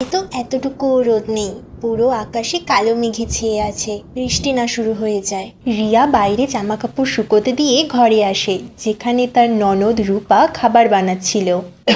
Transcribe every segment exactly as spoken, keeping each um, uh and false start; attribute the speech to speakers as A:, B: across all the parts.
A: তো এতটুকুও রোদ নেই, পুরো আকাশে কালো মেঘে ছেয়ে আছে, বৃষ্টি না শুরু হয়ে যায়। রিয়া বাইরে জামা কাপড় শুকোতে দিয়ে ঘরে আসে, যেখানে তার ননদ রূপা খাবার বানাচ্ছিল।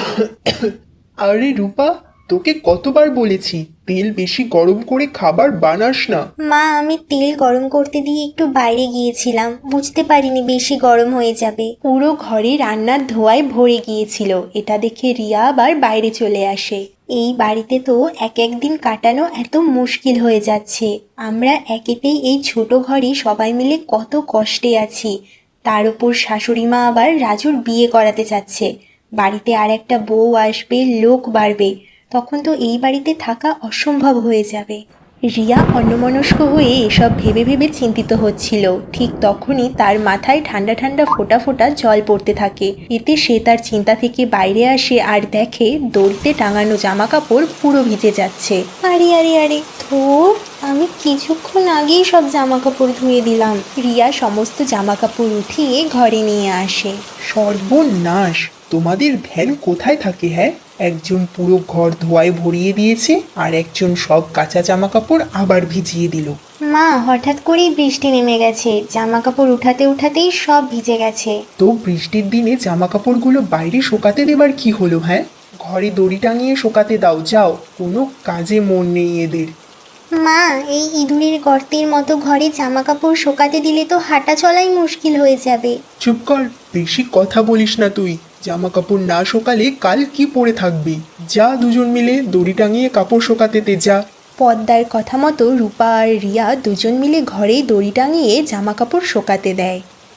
B: আরে রূপা, তোকে কতবার বলেছি তেল বেশি গরম করে খাবার বানাস না।
A: মা, আমি তেল গরম করতে দিয়ে একটু বাইরে গিয়েছিলাম, বুঝতে পারিনি বেশি গরম হয়ে যাবে। পুরো ঘরে রান্নার ধোঁয়ায় ভরে গিয়েছিল। এটা দেখে রিয়া আবার বাইরে চলে আসে। এই বাড়িতে তো এক একদিন কাটানো এত মুশকিল হয়ে যাচ্ছে। আমরা একেতেই এই ছোট ঘরে সবাই মিলে কত কষ্টে আছি, তার উপর শাশুড়ি মা আবার রাজুর বিয়ে করাতে চাচ্ছে। বাড়িতে আর একটা বউ আসবে, লোক বাড়বে, তখন তো এই বাড়িতে থাকা অসম্ভব হয়ে যাবে। রিয়া অন্যমনস্ক হয়ে এসব ভেবে ভেবে চিন্তিত হচ্ছিল। ঠিক তখনই তার মাথায় ঠান্ডা ঠান্ডা ফোঁটা ফোঁটা জল পড়তে থাকে। এতে সে তার চিন্তা থেকে বাইরে আসে আর দেখে দড়িতে টাঙানো জামা কাপড় পুরো ভিজে যাচ্ছে। আরে আরে আরে ধুর, আমি কিছুক্ষণ আগেই সব জামা কাপড় ধুয়ে দিলাম। রিয়া সমস্ত জামা কাপড় উঠিয়ে ঘরে নিয়ে আসে।
B: সর্বনাশ, তোমাদের ভ্যান কোথায় থাকে? হ্যাঁ, একজন পুরো ঘর ধোয়ায় ভরিয়ে দিয়েছে আর একজন সব কাঁচা জামা কাপড় আবার ভিজিয়ে দিল।
A: মা, হঠাৎ করেই বৃষ্টি নেমে গেছে, জামা কাপড় উঠাতে উঠাতেই সব ভিজে গেছে।
B: তো বৃষ্টির দিনে জামা কাপড়গুলো বাইরে শোকাতে দেবার কি হলো? হ্যাঁ, ঘরে দড়ি টাঙিয়ে শোকাতে দাও, যাও, কোনো কাজে মন নেই এদের।
A: মা, এই ইঁদুরের গর্তের মতো ঘরে জামা কাপড় শোকাতে দিলে তো হাঁটা চলাই মুশকিল হয়ে যাবে।
B: চুপ কর, বেশি কথা বলিস না তুই। জামা কাপড় না শোকালে কাল কি পরে থাকবি? যা, দুজন মিলে দড়ি টাঙিয়ে কাপড় শোকাতে দে, যা।
A: পদ্মার কথা মতো রূপা আর রিয়া দুজন মিলে ঘরেই দড়ি টাঙিয়ে জামা কাপড় শোকাতে দেয়।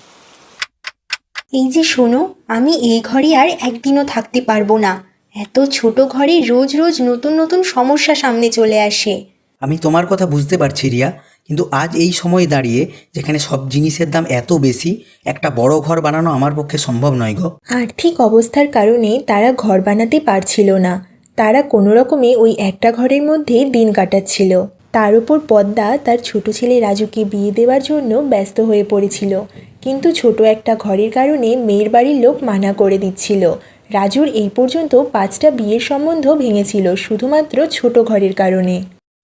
A: এই যে শোনো, আমি এই ঘরে আর একদিনও থাকতে পারবো না। এত ছোট ঘরে রোজ রোজ নতুন নতুন সমস্যা সামনে চলে আসে।
C: আমি তোমার কথা বুঝতে পারছি রিয়া, কিন্তু আজ এই সময় দাঁড়িয়ে যেখানে সব জিনিসের দাম এত বেশি, একটা বড় ঘর বানানো আমার পক্ষে সম্ভব নয় গো।
A: আর্থিক অবস্থার কারণে তারা ঘর বানাতে পারছিল না। তারা কোনো রকমে ওই একটা ঘরের মধ্যে দিন কাটাচ্ছিল। তার উপর পদ্মা তার ছোট ছেলে রাজুকে বিয়ে দেওয়ার জন্য ব্যস্ত হয়ে পড়েছিল, কিন্তু ছোট একটা ঘরের কারণে মেয়ের বাড়ির লোক মানা করে দিচ্ছিল। রাজুর এই পর্যন্ত পাঁচটা বিয়ের সম্বন্ধ ভেঙেছিল শুধুমাত্র ছোট ঘরের কারণে।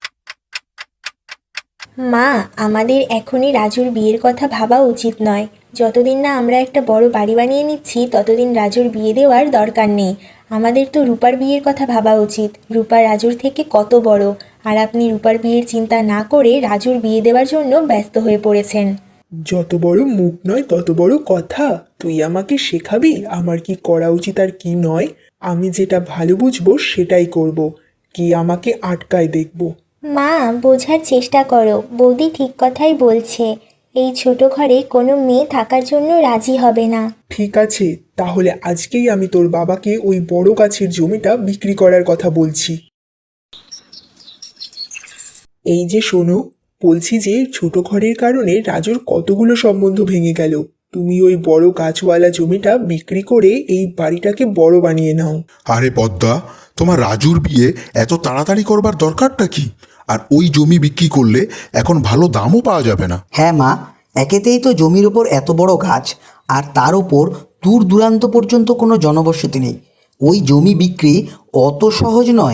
A: মা, আমাদের এখনই রাজুর বিয়ের কথা ভাবা উচিত নয়। যতদিন না আমরা একটা বড় বাড়ি বানিয়ে নিচ্ছি ততদিন রাজুর বিয়ে দেওয়ার দরকার নেই। আমাদের তো রূপার বিয়ের কথা ভাবা উচিত। রূপা রাজুর থেকে কত বড়, আর আপনি রূপার বিয়ের চিন্তা না করে রাজুর বিয়ে দেওয়ার জন্য ব্যস্ত হয়ে পড়েছেন।
B: যত বড় মুখ নয় তত বড় কথা। তুই আমাকে শেখাবি আমার কি করা উচিত আর কি নয়? আমি যেটা ভালো বুঝবো সেটাই করব, কি আমাকে আটকায় দেখবো?
A: মা, বোঝার চেষ্টা করো, বৌদি ঠিক কথাই বলছে। এই ছোট ঘরে কোনো মেয়ে থাকার জন্য রাজি হবে না।
B: ঠিক আছে, তাহলে আজকেই আমি তোর বাবাকে ওই বড় গাছের জমিটা বিক্রি করার কথা বলছি। এই যে শোনো, বলছি যে ছোট ঘরের কারণে রাজুর কতগুলো সম্বন্ধ ভেঙে গেল। তুমি ওই বড় গাছওয়ালা জমিটা বিক্রি করে এই বাড়িটাকে বড় বানিয়ে নাও।
D: আরে পদ্মা, তোমার রাজুর বিয়ে এত তাড়াতাড়ি করবার দরকারটা কি? আর ওই জমি বিক্রি করলে এখন ভালো দামও পাওয়া যাবে না।
C: হ্যাঁ মা, একেতেই তো জমির ওপর এত বড় গাছ, আর তার ওপর দূর দূরান্ত পর্যন্ত কোনো জনবসতি নেই। ওই জমি বিক্রি অত সহজ নয়।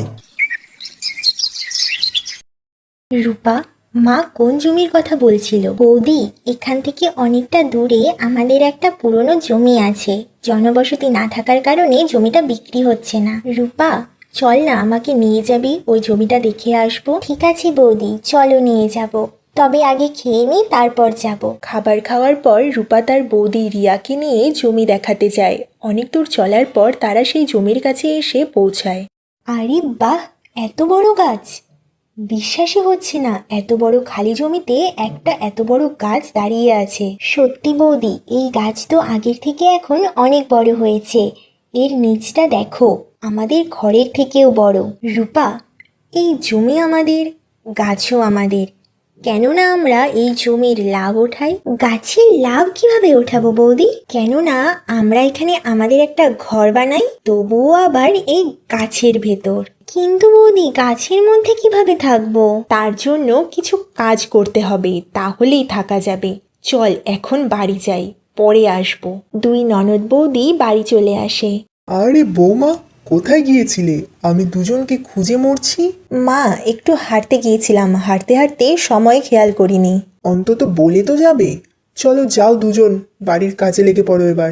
A: রূপা, মা কোন জমির কথা বলছিল? বৌদি, এখান থেকে অনেকটা দূরে আমাদের একটা পুরনো জমি আছে। জনবসতি না থাকার কারণে জমিটা বিক্রি হচ্ছে না। রূপা, চল না, আমাকে নিয়ে যাবি, ওই জমিটা দেখে আসবো। ঠিক আছে বৌদি, চলো নিয়ে যাব, তবে আগে খেয়ে নিই, তারপর যাব। খাবার খাওয়ার পর রূপা তার বৌদি রিয়াকে নিয়ে জমি দেখাতে যায়। অনেক দূর চলার পর তারা সেই জমির কাছে এসে পৌঁছায়। আরে বাহ, এত বড় গাছ! বিশ্বাসই হচ্ছে না, এত বড় খালি জমিতে একটা এত বড় গাছ দাঁড়িয়ে আছে। সত্যি বৌদি, এই গাছ তো আগের থেকে এখন অনেক বড় হয়েছে। এর নিচটা দেখো, আমাদের ঘরের থেকেও বড়। রূপা, এই জমি আমাদের, গাছও আমাদের। কেননা আমরা এই জমির লাভ ওঠাই। গাছের লাভ কিভাবে ওঠাবো বৌদি? কেননা আমরা এখানে আমাদের একটা ঘর বানাই, তবুও আবার এই গাছের ভেতর। কিন্তু বৌদি, গাছের মধ্যে কিভাবে থাকবো? তার জন্য কিছু কাজ করতে হবে, তাহলেই থাকা যাবে। চল এখন বাড়ি যাই, পরে আসবো। দুই ননদ বৌদি বাড়ি চলে আসে।
B: আরে বৌমা, কোথায় গিয়েছিলে? আমি দুজনকে খুঁজে মরছি।
E: মা, একটু হাঁটতে গিয়েছিলাম, হাঁটতে হাঁটতে সময় খেয়াল করিনি।
B: অন্তত বলে তো যাবে। চলো যাও দুজন, বাড়ির কাজে লেগে পড়ো এবার।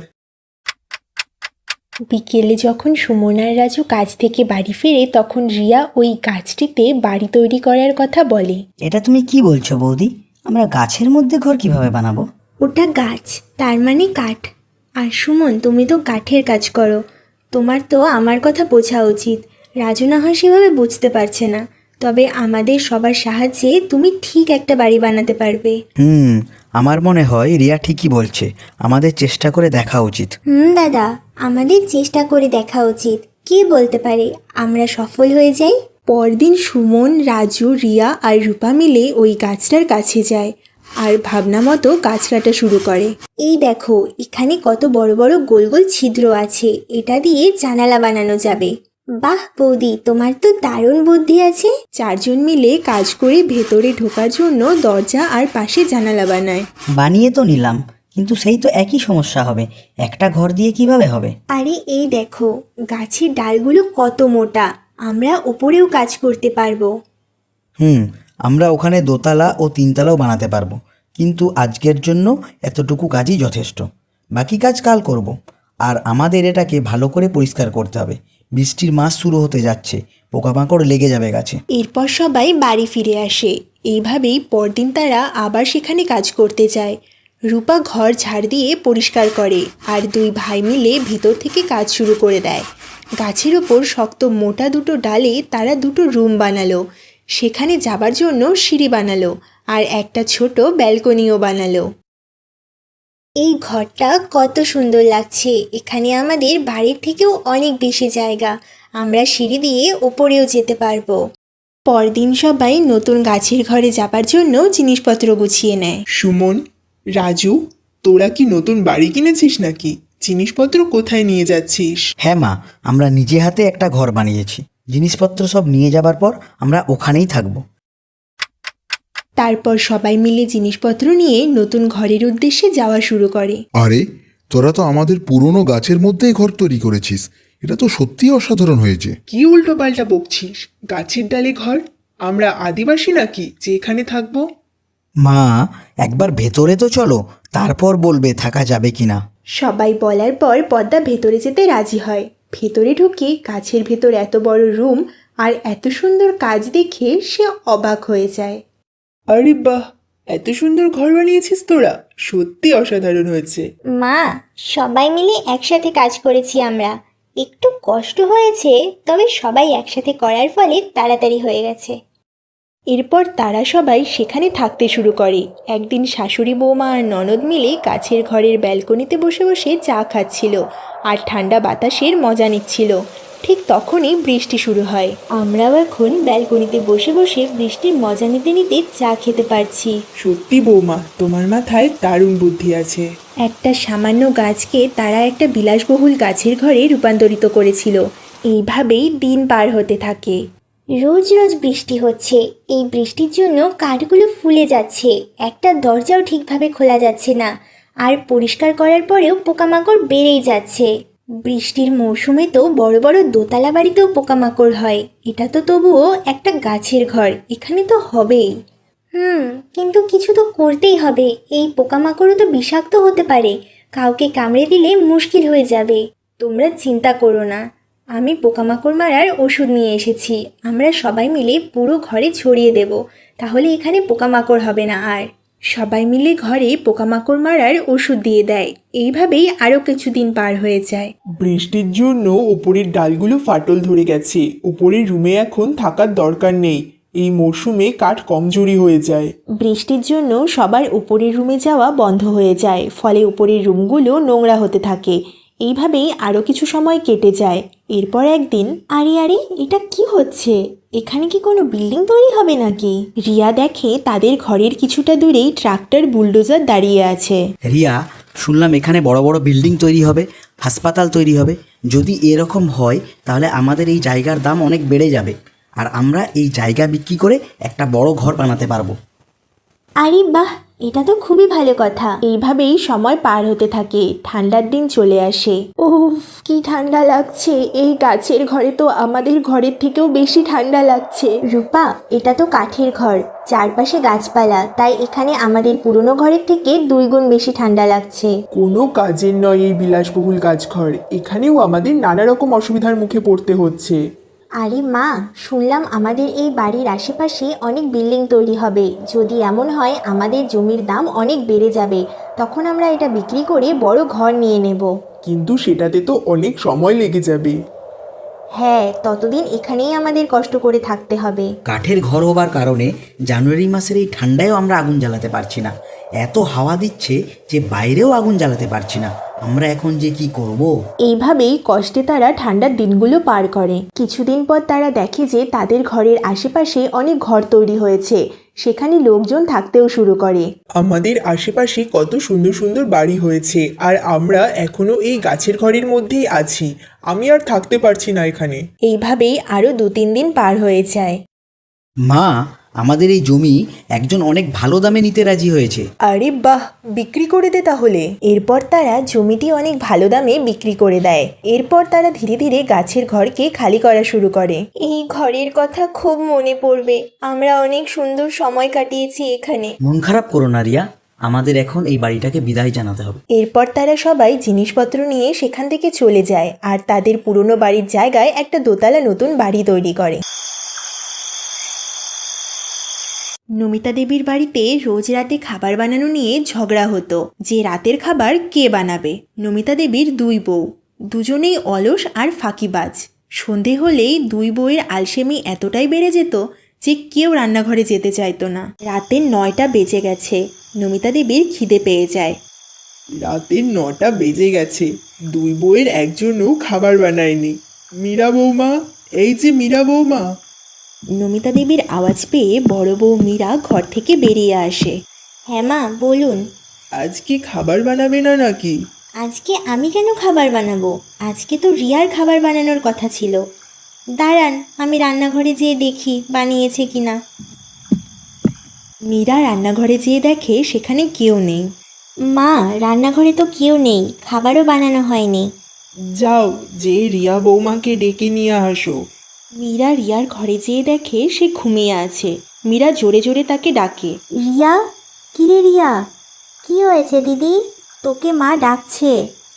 E: বিকেলে যখন সুমন আর রাজু কাজ থেকে বাড়ি ফেরে তখন রিয়া ওই গাছটিতে বাড়ি তৈরি করার কথা বলে।
F: এটা তুমি কি বলছো বৌদি? আমরা গাছের মধ্যে ঘর কিভাবে বানাবো?
A: ওটা গাছ, তার মানে কাঠ। আর সুমন, তুমি তো কাঠের কাজ করো, তোমার তো আমার কথা বোঝা উচিত। রাজু না হয় সেভাবে বুঝতে পারছে না, তবে আমাদের সবার সাহায্যে তুমি ঠিক একটা বাড়ি বানাতে পারবে।
C: হুম আমার মনে হয় রিয়া ঠিকই বলছে, আমাদের চেষ্টা করে দেখা উচিত।
A: হুম দাদা, আমাদের চেষ্টা করে দেখা উচিত। কে বলতে পারে আমরা সফল হয়ে যাই।
E: পরদিন সুমন, রাজু, রিয়া আর রূপা মিলে ওই গাছটার কাছে যায় আর ভাবনা মতো গাছ কাটা শুরু করে।
A: এই দেখো, এখানে কত বড় বড় গোল গোল ছিদ্র আছে, এটা দিয়ে জানালা বানানো যাবে। বাহ বৌদি, তোমার তো দারুণ বুদ্ধি আছে।
E: চারজন মিলে কাজ করে ভেতরে ঢোকার জন্য দরজা আর পাশে জানালা বানায়।
F: বানিয়ে তো নিলাম, কিন্তু সেই তো একই সমস্যা হবে, একটা ঘর দিয়ে কিভাবে হবে?
A: আরে এই দেখো, গাছের ডালগুলো কত মোটা, আমরা ওপরেও কাজ করতে পারবো।
C: হুম আমরা ওখানে দোতলা ও তিনতলাও বানাতে পারবো, কিন্তু আজকের জন্য এতটুকু কাজই যথেষ্ট। বাকি কাজ কাল করব। আর আমাদের এটাকে ভালো করে পরিষ্কার করতে হবে। বৃষ্টির মাস শুরু হতে যাচ্ছে, পোকামাকড় লেগে যাবে গাছে।
E: এরপর সবাই বাড়ি ফিরে আসে। এইভাবেই পরদিন তারা আবার সেখানে কাজ করতে যায়। রূপা ঘর ঝাড় দিয়ে পরিষ্কার করে আর দুই ভাই মিলে ভিতর থেকে কাজ শুরু করে দেয়। গাছের ওপর শক্ত মোটা দুটো ডালে তারা দুটো রুম বানালো, সেখানে যাবার জন্য সিঁড়ি বানালো আর একটা ছোট ব্যালকনিও বানালো।
A: এই ঘরটা কত সুন্দর লাগছে, এখানে আমাদের বাড়ির থেকেও অনেক বেশি জায়গা, আমরা সিঁড়ি দিয়ে ওপরেও যেতে পারবো।
E: পরদিন সবাই নতুন গাছের ঘরে যাবার জন্য জিনিসপত্র গুছিয়ে নেয়।
B: সুমন, রাজু, তোরা কি নতুন বাড়ি কিনেছিস নাকি? জিনিসপত্র কোথায় নিয়ে যাচ্ছিস?
C: হ্যাঁ মা, আমরা নিজে হাতে একটা ঘর বানিয়েছি। জিনিসপত্র সব নিয়ে যাবার পর আমরা ওখানেই থাকবো।
E: তারপর সবাই মিলে জিনিসপত্র নিয়ে নতুন ঘরের উদ্দেশ্যে যাওয়া শুরু করে।
D: আরে তোরা তো আমাদের পুরনো গাছের মধ্যেই ঘর তৈরি করেছিস, এটা তো সত্যিই অসাধারণ হয়েছে।
B: কি উল্টো পাল্টা বকছিস? গাছের ডালে ঘর? আমরা আদিবাসী নাকি যে এখানে থাকবো?
C: মা একবার ভেতরে তো চলো, তারপর বলবে থাকা যাবে কিনা।
E: সবাই বলার পর পদ্মা ভেতরে যেতে রাজি হয়। ভেতরে ঢুকে গাছের ভেতর এত বড় রুম আর এত সুন্দর কাজ দেখে সে অবাক হয়ে যায়।
B: আরে বাহ, এত সুন্দর ঘর বানিয়েছিস তোরা, সত্যি অসাধারণ হয়েছে।
A: মা, সবাই মিলে একসাথে কাজ করেছি আমরা, একটু কষ্ট হয়েছে, তবে সবাই একসাথে করার ফলে তাড়াতাড়ি হয়ে গেছে।
E: এরপর তারা সবাই সেখানে থাকতে শুরু করে। একদিন শাশুড়ি বৌমা আর ননদ মিলে গাছের ঘরের ব্যালকনিতে বসে বসে চা খাচ্ছিল আর ঠান্ডা বাতাসের মজা নিচ্ছিল। ঠিক তখনই বৃষ্টি শুরু হয়।
A: আমরাও এখন ব্যালকনিতে বসে বসে বৃষ্টির মজা নিতে নিতে চা খেতে পারছি।
B: সত্যি বৌমা, তোমার মাথায় দারুণ বুদ্ধি আছে।
E: একটা সামান্য গাছকে তারা একটা বিলাসবহুল গাছের ঘরে রূপান্তরিত করেছিল। এইভাবেই দিন পার হতে থাকে।
A: রোজ রোজ বৃষ্টি হচ্ছে, এই বৃষ্টির জন্য কাঠগুলো ফুলে যাচ্ছে, একটা দরজাও ঠিকভাবে খোলা যাচ্ছে না, আর পরিষ্কার করার পরেও পোকামাকড় বেড়েই যাচ্ছে। বৃষ্টির মৌসুমে তো বড় বড় দোতলা বাড়িতেও পোকামাকড় হয়, এটা তো তবুও একটা গাছের ঘর, এখানে তো হবেই। হুম কিন্তু কিছু তো করতেই হবে, এই পোকামাকড়ও তো বিষাক্ত হতে পারে, কাউকে কামড়ে দিলে মুশকিল হয়ে যাবে। তোমরা চিন্তা করো না, আমি পোকামাকড় মারার ওষুধ নিয়ে এসেছি, আমরা সবাই মিলে পুরো ঘরে ছড়িয়ে দেব, তাহলে এখানে পোকামাকড় হবে না আর।
E: সবাই মিলে ঘরে পোকামাকড় মারার ওষুধ দিয়ে দেয়। এইভাবেই আরও কিছুদিন পার হয়ে যায়।
B: বৃষ্টির জন্য উপরের ডালগুলো ফাটল ধরে গেছে, উপরের রুমে এখন থাকার দরকার নেই, এই মরশুমে কাঠ কমজোরি হয়ে যায়।
E: বৃষ্টির জন্য সবার উপরের রুমে যাওয়া বন্ধ হয়ে যায়, ফলে উপরের রুমগুলো নোংরা হতে থাকে। এইভাবেই আরও কিছু সময় কেটে যায়। এরপর একদিন,
A: আরে আরে, এটা কি হচ্ছে? এখানে কি কোনো বিল্ডিং তৈরি হবে নাকি?
E: রিয়া দেখে তাদের ঘরের কিছুটা দূরেই ট্রাক্টর বুলডোজার দাঁড়িয়ে আছে।
C: রিয়া, শুনলাম এখানে বড় বড় বিল্ডিং তৈরি হবে, হাসপাতাল তৈরি হবে। যদি এরকম হয় তাহলে আমাদের এই জায়গার দাম অনেক বেড়ে যাবে, আর আমরা এই জায়গা বিক্রি করে একটা বড় ঘর বানাতে পারবো।
A: আরে বাহ, এটা তো খুবই ভালো কথা।
E: এইভাবেই সময় পার হতে থাকে। ঠান্ডার দিন চলে আসে। উফ, কি ঠান্ডা লাগছে! এই গাছের ঘরে তো আমাদের ঘরের থেকেও বেশি ঠান্ডা লাগছে।
A: রূপা, এটা তো কাঠের ঘর, চারপাশে গাছপালা, তাই এখানে আমাদের পুরনো ঘরের থেকে দুই গুণ বেশি ঠান্ডা লাগছে।
B: কোনো কাজের নয় এই বিলাসবহুল কাজঘর, এখানেও আমাদের নানা রকম অসুবিধার মুখে পড়তে হচ্ছে।
A: আরে মা, শুনলাম আমাদের এই বাড়ির আশেপাশে অনেক বিল্ডিং তৈরি হবে। যদি এমন হয় আমাদের জমির দাম অনেক বেড়ে যাবে, তখন আমরা এটা বিক্রি করে বড় ঘর নিয়ে নেব।
B: কিন্তু সেটাতে তো অনেক সময় লেগে যাবে।
A: হ্যাঁ, ততদিন এখানেই আমাদের কষ্ট করে থাকতে হবে।
C: কাঠের ঘর হবার কারণে জানুয়ারি মাসের এই ঠান্ডায়ও আমরা আগুন জ্বালাতে পারছি না। এত হাওয়া দিচ্ছে যে বাইরেও আগুন জ্বালাতে পারছি না। আমরা এখন যে কি করব?
E: এইভাবেই কষ্টে তারা ঠান্ডার দিনগুলো পার করে। কিছুদিন পর তারা দেখে যে তাদের ঘরের আশেপাশে অনেক ঘর তৈরি হয়েছে, সেখানে লোকজন থাকতেও শুরু করে।
B: আমাদের আশেপাশে কত সুন্দর সুন্দর বাড়ি হয়েছে, আর আমরা এখনো এই গাছের ঘরের মধ্যেই আছি। আমি আর থাকতে পারছি না এখানে।
E: এইভাবেই আরও দু তিন দিন পার হয়ে যায়।
C: মা, আমাদের এই জমি একজন অনেক ভালো দামে নিতে রাজি হয়েছে।
E: আরে বাহ, বিক্রি করে দে তাহলে। এরপর তারা জমিটি অনেক ভালো দামে বিক্রি করে দেয়। এরপর তারা ধীরে ধীরে গাছের ঘরকে খালি করা শুরু করে।
A: এই ঘরের কথা খুব মনে পড়বে। আমরা অনেক সুন্দর সময় কাটিয়েছি এখানে।
C: মন খারাপ করো না রিয়া, আমাদের এখন এই বাড়িটাকে বিদায় জানাতে হবে।
E: এরপর তারা সবাই জিনিসপত্র নিয়ে সেখান থেকে চলে যায় আর তাদের পুরনো বাড়ির জায়গায় একটা দোতলা নতুন বাড়ি তৈরি করে। নমিতা দেবীর বাড়িতে রোজ রাতে খাবার বানানো নিয়ে ঝগড়া হতো যে রাতের খাবার কে বানাবে। নমিতা দেবীর দুই বউ, দুজনেই অলস আর ফাঁকিবাজ। সন্ধে হলেই দুই বউয়ের আলসেমি এতটাই বেড়ে যেত যে কেউ রান্নাঘরে যেতে চাইতো না। রাতের নয়টা বেজে গেছে, নমিতা দেবীর খিদে পেয়ে যায়।
B: রাতের নটা বেজে গেছে, দুই বউয়ের একজনও খাবার বানায়নি। মীরা বৌমা, এই যে মীরা বৌমা।
E: নমিতা দেবীর আওয়াজ পেয়ে বড় বউ মীরা ঘর থেকে বেরিয়ে আসে।
A: হ্যাঁ মা, বলুন।
B: আজকে খাবার বানাবে না নাকি?
A: আজকে আমি কেন খাবার বানাবো? আজকে তো রিয়ার খাবার বানানোর কথা ছিল। দাঁড়ান, আমি রান্নাঘরে যেয়ে দেখি বানিয়েছে কিনা।
E: মীরা রান্নাঘরে যেয়ে দেখে সেখানে কেউ নেই।
A: মা, রান্নাঘরে তো কেউ নেই, খাবারও বানানো হয়নি।
B: যাও, যে রিয়া বৌমাকে ডেকে নিয়ে আসো।
E: মীরা রিয়ার ঘরে যেয়ে দেখে সে ঘুমিয়ে আছে। মীরা জোরে জোরে তাকে ডাকে।
A: রিয়া, কিরে রিয়া, কি হয়েছে দিদি? তোকে মা ডাকছে।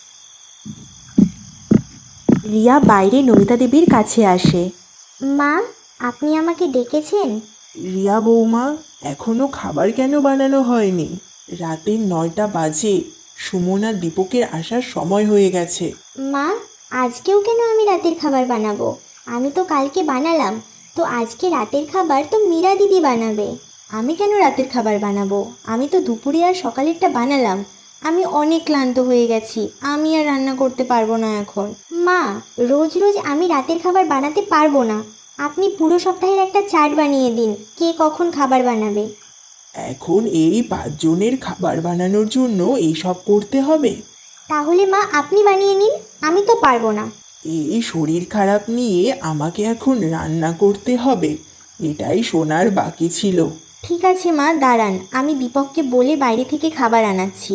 E: রিয়া বাইরে নমিতা দেবীর কাছে আসে।
A: মা, আপনি আমাকে ডেকেছেন?
B: রিয়া বৌমা, এখনো খাবার কেন বানানো হয়নি? রাতের নয়টা বাজে, সুমন আর দীপকের আসার সময় হয়ে গেছে।
A: মা, আজকেও কেন আমি রাতের খাবার বানাবো? আমি তো কালকে বানালাম, তো আজকে রাতের খাবার তো মীরা দিদি বানাবে। আমি কেন রাতের খাবার বানাবো? আমি তো দুপুরে আর সকালেরটা বানালাম। আমি অনেক ক্লান্ত হয়ে গেছি, আমি আর রান্না করতে পারবো না এখন। মা, রোজ রোজ আমি রাতের খাবার বানাতে পারবো না। আপনি পুরো সপ্তাহের একটা চার্ট বানিয়ে দিন, কে কখন খাবার বানাবে।
B: এখন এই পাঁচজনের খাবার বানানোর জন্য এইসব করতে হবে?
A: তাহলে মা, আপনি বানিয়ে নিন, আমি তো পারবো না।
B: এই শরীর খারাপ নিয়ে আমাকে এখন রান্না করতে হবে, এটাই শোনার বাকি ছিল।
A: ঠিক আছে মা, দাঁড়ান, আমি দীপককে বলে বাইরে থেকে খাবার আনাচ্ছি।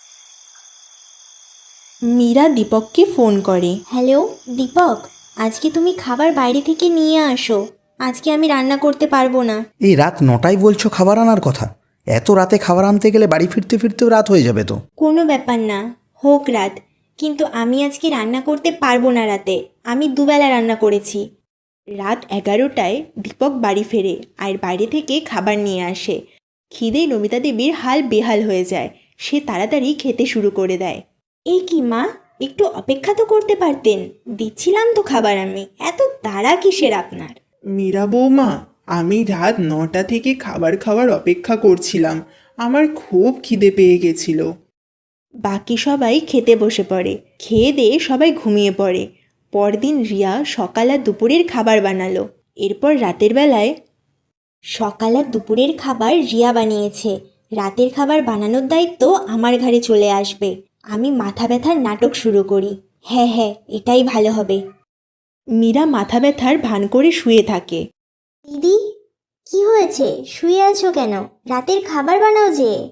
E: মীরা দীপককে ফোন করে।
A: হ্যালো দীপক, আজকে তুমি খাবার বাইরে থেকে নিয়ে আসো। আজকে আমি রান্না করতে পারবো না।
C: এই রাত নটায় বলছো খাবার আনার কথা? এত রাতে খাবার আনতে গেলে বাড়ি ফিরতে ফিরতেও রাত হয়ে যাবে তো।
A: কোনো ব্যাপার না, হোক রাত, কিন্তু আমি আজকে রান্না করতে পারবো না রাতে। আমি দুবেলা রান্না করেছি।
E: রাত এগারোটায় দীপক বাড়ি ফেরে আর বাইরে থেকে খাবার নিয়ে আসে। খিদে নমিতা দেবীর হাল বেহাল হয়ে যায়। সে তাড়াতাড়ি খেতে শুরু করে দেয়।
A: এই কি মা, একটু অপেক্ষা তো করতে পারতেন, দিচ্ছিলাম তো খাবার আমি। এত তাড়া কিসের আপনার?
B: মীরা বৌমা, আমি রাত নটা থেকে খাবার খাওয়ার অপেক্ষা করছিলাম, আমার খুব খিদে পেয়ে গেছিল।
E: বাকি সবাই খেতে বসে পড়ে। খেয়ে দিয়ে সবাই ঘুমিয়ে পড়ে। পরদিন রিয়া সকাল আর দুপুরের খাবার বানালো। এরপর রাতের বেলায়
A: সকাল আর দুপুরের খাবার রিয়া বানিয়েছে, রাতের খাবার বানানোর দায়িত্ব আমার ঘাড়ে চলে আসবে। আমি মাথা ব্যথার নাটক শুরু করি। হ্যাঁ হ্যাঁ, এটাই ভালো হবে।
E: মীরা মাথা ব্যথার ভান করে শুয়ে থাকে।
A: দিদি, কি হয়েছে? শুয়ে আছো কেন? রাতের খাবার বানাও যে।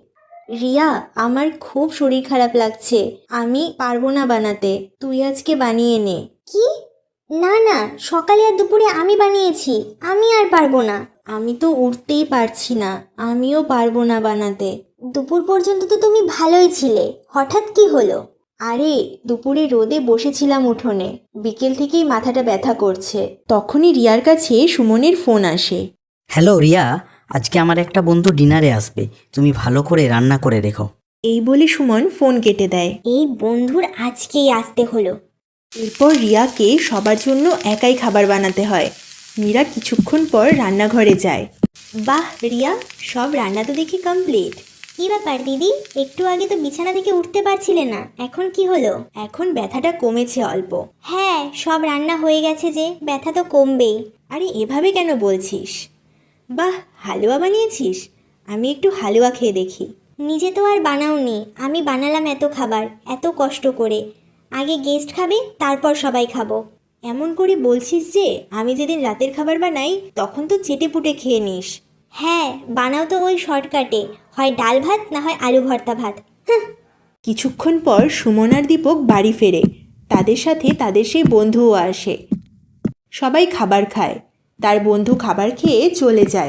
A: রিয়া, আমার খুব শরীর খারাপ লাগছে, আমি পারবো না বানাতে, তুই আজকে বানিয়ে নে। কি? না না, সকালে আর দুপুরে আমি বানিয়েছি, আমি আর পারবো না। আমি তো উঠতেই পারছি না, আমিও পারবো না বানাতে। দুপুর পর্যন্ত তো তুমি ভালোই ছিলে, হঠাৎ কি হলো? আরে দুপুরে রোদে বসেছিলাম উঠোনে, বিকেল থেকেই মাথাটা ব্যথা করছে।
E: তখনই রিয়ার কাছে সুমনের ফোন আসে।
F: হ্যালো রিয়া, আজকে আমার একটা বন্ধু ডিনারে আসবে, তুমি ভালো করে রান্না করে রেখো।
E: এই বলে সুমন ফোন কেটে দেয়।
A: এই বন্ধুর আজকেই আসতে হলো।
E: এরপর রিয়াকে সবার জন্য একাই খাবার বানাতে হয়। মীরা কিছুক্ষণ পর রান্নাঘরে যায়।
A: বাহ রিয়া, সব রান্না তো দেখি কমপ্লিট। কি ব্যাপার দিদি, একটু আগে তো বিছানা থেকে উঠতে পারছিলে না, এখন কি হলো?
E: এখন ব্যথাটা কমেছে অল্প।
A: হ্যাঁ, সব রান্না হয়ে গেছে যে, ব্যথা তো কমবেই।
E: আরে এভাবে কেন বলছিস? বাহ, হালুয়া বানিয়েছিস? আমি একটু হালুয়া খেয়ে দেখি।
A: নিজে তো আর বানাওনি, আমি বানালাম এত খাবার, এত কষ্ট করে। আগে গেস্ট খাবে, তারপর সবাই খাবো।
E: এমন করে বলছিস যে আমি যেদিন রাতের খাবার বানাই তখন তো চেটে পুটে খেয়ে নিস।
A: হ্যাঁ, বানাও তো ওই শর্টকাটে, হয় ডাল ভাত না হয় আলু ভর্তা ভাত। হাহ।
E: কিছুক্ষণ পর সুমন আর দীপক বাড়ি ফেরে। তাদের সাথে তাদের সেই বন্ধুও আসে। সবাই খাবার খায়। তার বন্ধু খাবার খেয়ে চলে যায়।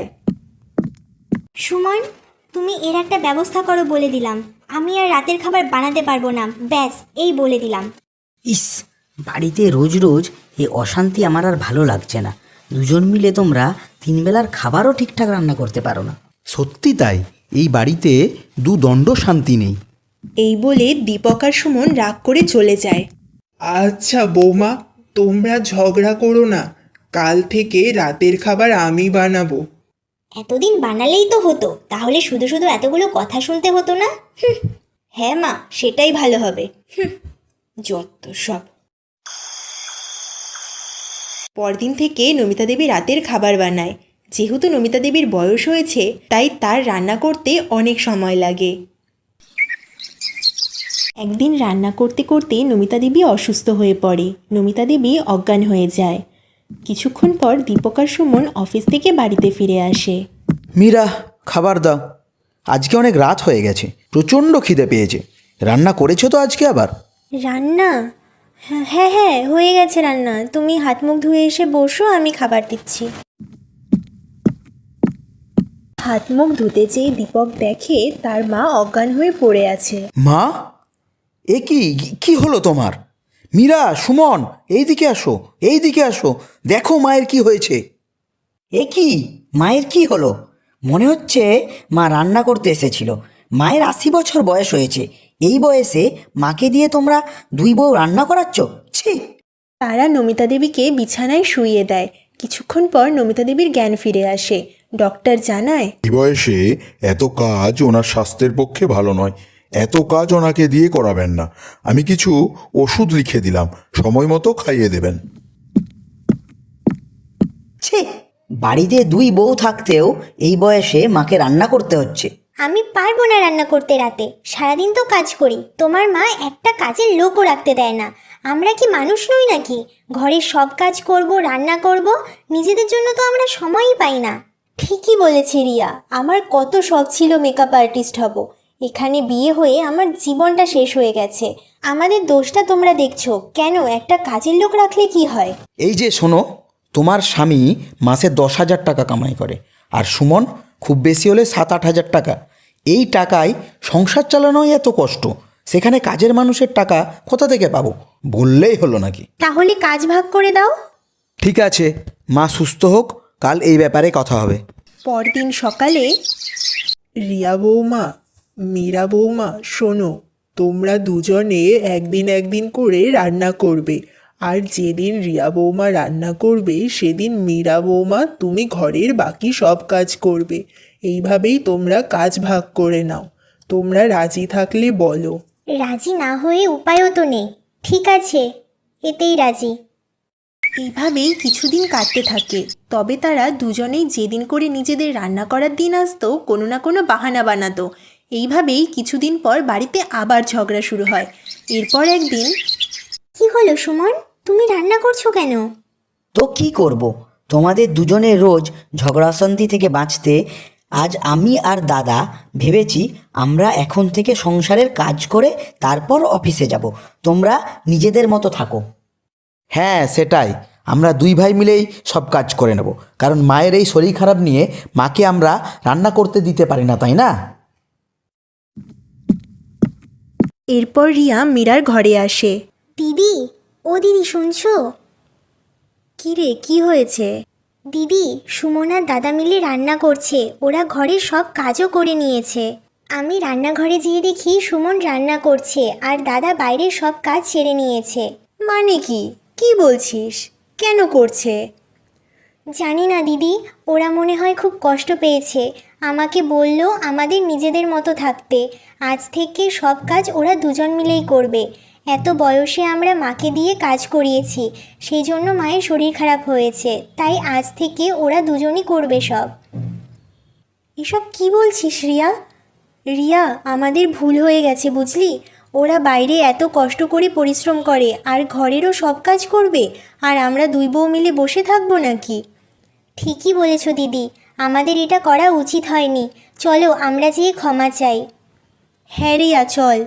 A: সুমন, তুমি এর একটা ব্যবস্থা করো বলে দিলাম, আমি আর রাতের খাবার বানাতে পারবো না, ব্যাস এই বলে দিলাম।
F: ইস, বাড়িতে রোজ রোজ এই অশান্তি আমার আর ভালো লাগছে না। দুজন মিলে তোমরা তিন বেলার খাবারও ঠিকঠাক রান্না করতে পারো না।
C: সত্যি তাই, এই বাড়িতে দুদণ্ড শান্তি নেই।
E: এই বলে দীপক আর সুমন রাগ করে চলে যায়।
B: আচ্ছা বৌমা, তোমরা ঝগড়া করো না, কাল থেকে রাতের খাবার আমি বানাবো।
A: এতদিন বানালেই তো হতো, তাহলে শুধু শুধু এতগুলো কথা শুনতে হতো না। হুঁ।
E: হ্যাঁ মা, সেটাই ভালো হবে। হুঁ, যত সব। পরদিন থেকে নমিতা দেবী রাতের খাবার বানায়। যেহেতু নমিতা দেবীর বয়স হয়েছে, তাই তার রান্না করতে অনেক সময় লাগে। একদিন রান্না করতে করতে নমিতা দেবী অসুস্থ হয়ে পড়ে। নমিতা দেবী অজ্ঞান হয়ে যায়। কিছুক্ষণ পর দীপক আর সুমন অফিস থেকে বাড়িতে ফিরে আসে।
C: মীরা, খাবার দাও, আজকে অনেক রাত হয়ে গেছে, প্রচণ্ড খিদে পেয়েছে। রান্না করেছো তো আজকে আবার?
A: রান্না? হ্যাঁ হ্যাঁ, হয়ে গেছে রান্না, তুমি হাত মুখ ধুয়ে এসে বসো, আমি খাবার দিচ্ছি।
E: হাত মুখ ধুতে যেয়ে দীপক দেখে তার মা অজ্ঞান হয়ে পড়ে আছে।
C: মা, এ কি কি হলো তোমার? মীরা, সুমন, এইদিকে আসো, এইদিকে আসো, দেখো মায়ের কি হয়েছে।
F: এ কি, মায়ের কি হলো? মনে হচ্ছে মা রান্না করতে এসেছিল। মায়ের আশি বছর বয়স হয়েছে, এই বয়সে মাকে দিয়ে তোমরা দুই বউ রান্না করাচ্ছ? ছি!
E: তারা নমিতা দেবীকে বিছানায় শুইয়ে দেয়। কিছুক্ষণ পর নমিতা দেবীর জ্ঞান ফিরে আসে। ডক্টর জানায়,
D: এই বয়সে এত কাজ ওনার স্বাস্থ্যের পক্ষে ভালো নয়। এত কাজ ওনাকে দিয়ে করাবেন না। আমি কিছু ওষুধ লিখে দিলাম, সময় মতো খাইয়ে দেবেন।
F: ছি! বাড়িতে দুই বউ থাকতেও এই বয়সে মাকে রান্না করতে হচ্ছে।
A: আমি পারবো না রান্না করতে রাতে, সারাদিন তো কাজ করি, তোমার মা একটা কাজের লোকও রাখতে দেয় না। আমরা কি মানুষ নই নাকি? ঘরের সব কাজ করব, রান্না করব, নিজেদের জন্য তো আমরা সময়ই পাই না। ঠিকই বলেছে রিয়া, আমার কত শখ ছিল মেকআপ আর্টিস্ট হব, এখানে বিয়ে হয়ে আমার জীবনটা শেষ হয়ে গেছে। আমাদের দোষটা তোমরা দেখছো কেন? একটা কাজের লোক রাখলে কি হয়?
C: এই যে শোনো, তোমার স্বামী মাসে দশ হাজার টাকা কামাই করে, আর সুমন খুব বেশি হলে সাত আট হাজার টাকা। এই টাকায় সংসার চালানোই এত কষ্ট, সেখানে কাজের মানুষের টাকা কোথা থেকে পাবো? বললেই হলো নাকি?
A: তাহলে কাজ ভাগ করে দাও।
C: ঠিক আছে, মা সুস্থ হোক, কাল এই ব্যাপারে কথা হবে।
E: পরদিন সকালে
B: রিয়া বৌমা, মীরা বৌমা, শোনো, তোমরা দুজনে একদিন একদিন করে রান্না করবে, আর যেদিন রিয়া বৌমা রান্না করবে সেদিন মীরা বৌমা তুমি ঘরের বাকি সব কাজ করবে। এইভাবেই তোমরা কাজ ভাগ করে নাও। তোমরা রাজি থাকলে বলো।
A: রাজি না হয়ে উপায়ও তো নেই। ঠিক আছে, এতেই রাজি।
E: এইভাবেই কিছুদিন কাটতে থাকে। তবে তারা দুজনেই যেদিন করে নিজেদের রান্না করার দিন আসতো, কোনো না কোনো বাহানা বানাতো। এইভাবেই কিছুদিন পর বাড়িতে আবার ঝগড়া শুরু হয়। এরপর একদিন,
A: কি হলো সুমন, তুমি রান্না করছো কেন?
F: তো কি করব, তোমাদের দুজনের রোজ ঝগড়া অশান্তি থেকে বাঁচতে আজ আমি আর দাদা ভেবেছি আমরা এখন থেকে সংসারের কাজ করে তারপর অফিসে যাব। তোমরা নিজেদের মতো থাকো।
C: হ্যাঁ সেটাই, আমরা দুই ভাই মিলেই সব কাজ করে নেব, কারণ মায়ের এই শরীর খারাপ নিয়ে মাকে আমরা রান্না করতে দিতে পারি না, তাই না?
E: এরপর রিয়া মীরার ঘরে আসে।
A: দিদি, ও দিদি শুনছো?
E: কি রে, কি হয়েছে?
A: দিদি, সুমন আর দাদা মিলে রান্না করছে, ওরা ঘরের সব কাজও করে নিয়েছে। আমি রান্নাঘরে যেয়ে দেখি সুমন রান্না করছে আর দাদা বাইরের সব কাজ সেরে নিয়েছে।
E: মানে কি কি বলছিস? কেন করছে?
A: জানি না দিদি, ওরা মনে হয় খুব কষ্ট পেয়েছে। আমাকে বলল আমাদের নিজেদের মতো থাকতে, আজ থেকে সব কাজ ওরা দুজন মিলেই করবে। এত বয়সে আমরা মাকে দিয়ে কাজ করিয়েছি, সেই জন্য মায়ের শরীর খারাপ হয়েছে, তাই আজ থেকে ওরা দুজনই করবে সব।
E: এসব কি বলছিস রিয়া? রিয়া, আমাদের ভুল হয়ে গেছে বুঝলি। ওরা বাইরে এত কষ্ট করে পরিশ্রম করে আর ঘরেরও সব কাজ করবে, আর আমরা দুই বউ মিলে বসে থাকবো নাকি?
A: ঠিকই বলেছ দিদি, আমাদের এটা করা উচিত হয়নি। চলো আমরা যেয়ে ক্ষমা চাই।
E: হ্যাঁ রিয়া, চল।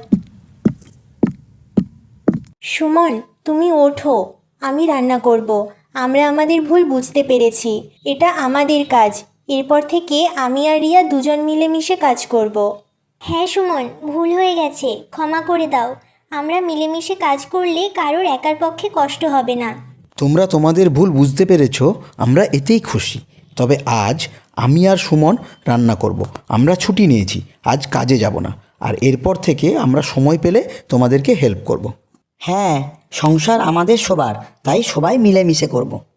A: সুমন, তুমি ওঠো,
E: আমি রান্না করব। আমরা আমাদের ভুল বুঝতে পেরেছি, এটা আমাদের কাজ। এরপর থেকে আমি আর রিয়া দুজন মিলেমিশে কাজ করব।
A: হ্যাঁ সুমন, ভুল হয়ে গেছে, ক্ষমা করে দাও। আমরা মিলেমিশে কাজ করলে কারোর একার পক্ষে কষ্ট হবে না।
C: তোমরা তোমাদের ভুল বুঝতে পেরেছো, আমরা এতেই খুশি। তবে আজ আমি আর সুমন রান্না করব। আমরা ছুটি নিয়েছি, আজ কাজে যাব না। আর এরপর থেকে আমরা সময় পেলে তোমাদেরকে হেল্প করব।
F: হ্যাঁ, সংসার আমাদের সবার, তাই সবাই মিলেমিশে করব।